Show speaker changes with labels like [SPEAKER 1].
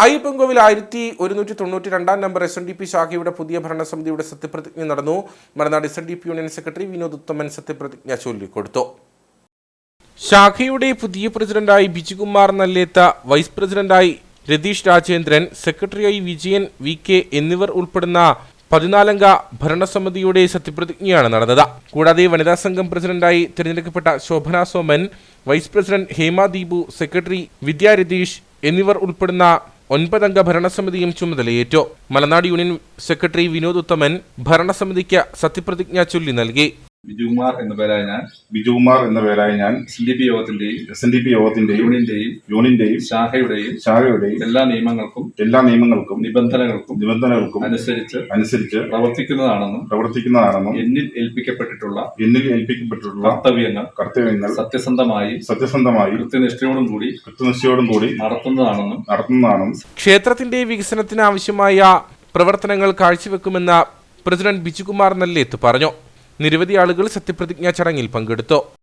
[SPEAKER 1] Ayyappancoil 1192 number SNDP ശാഖയുടെ പുതിയ ഭരണസമിതിയുടെ സത്യപ്രതിജ്ഞ നടന്നു. Malanad SNDP union secretary Vinod Uthaman സത്യപ്രതിജ്ഞ ചൊല്ലിക്കൊടുത്തു. ശാഖയുടെ പുതിയ പ്രസിഡന്റായി ബിജുകുമാർ നല്ലേത്ത, വൈസ് പ്രസിഡന്റായി രതീഷ് രാജേന്ദ്രൻ, സെക്രട്ടറിയായി വിജയൻ VK എന്നിവർ ഉൾപ്പെടുന്ന 14-അംഗ ഭരണസമിതിയുടെ സത്യപ്രതിജ്ഞയാണ് നടന്നത്. കൂടാതെ വനിതാ സംഘം പ്രസിഡന്റായി തിരഞ്ഞെടുക്കപ്പെട്ട Shobhana Soman, vice president Hema Deepu, secretary Vidya Ratheesh എന്നിവർ ഉൾപ്പെടുന്ന 9-അംഗ ഭരണസമിതിയും ചുമതലയേറ്റു. മലനാട് യൂണിയൻ സെക്രട്ടറി വിനോദ് ഉത്തമൻ ഭരണസമിതിക്ക് സത്യപ്രതിജ്ഞ ചൊല്ലി നൽകി.
[SPEAKER 2] ബിജുകുമാർ എന്ന പേരായ ഞാൻ SNDP യോഗത്തിന്റെയും യൂണിയന്റെയും ശാഖയുടെയും എല്ലാ നിയമങ്ങൾക്കും നിബന്ധനകൾക്കും അനുസരിച്ച് പ്രവർത്തിക്കുന്നതാണെന്നും എന്നിൽ ഏൽപ്പിക്കപ്പെട്ടിട്ടുള്ള കർത്തവ്യങ്ങൾ സത്യസന്ധമായി കൃത്യനിഷ്ഠയോടും കൂടി നടത്തുന്നതാണെന്നും
[SPEAKER 1] ക്ഷേത്രത്തിന്റെ വികസനത്തിന് ആവശ്യമായ പ്രവർത്തനങ്ങൾ കാഴ്ചവെക്കുമെന്ന് പ്രസിഡന്റ് ബിജുകുമാർ നല്ലേത്ത് പറഞ്ഞു. നിരവധി ആളുകൾ സത്യപ്രതിജ്ഞാ ചടങ്ങിൽ പങ്കെടുത്തു.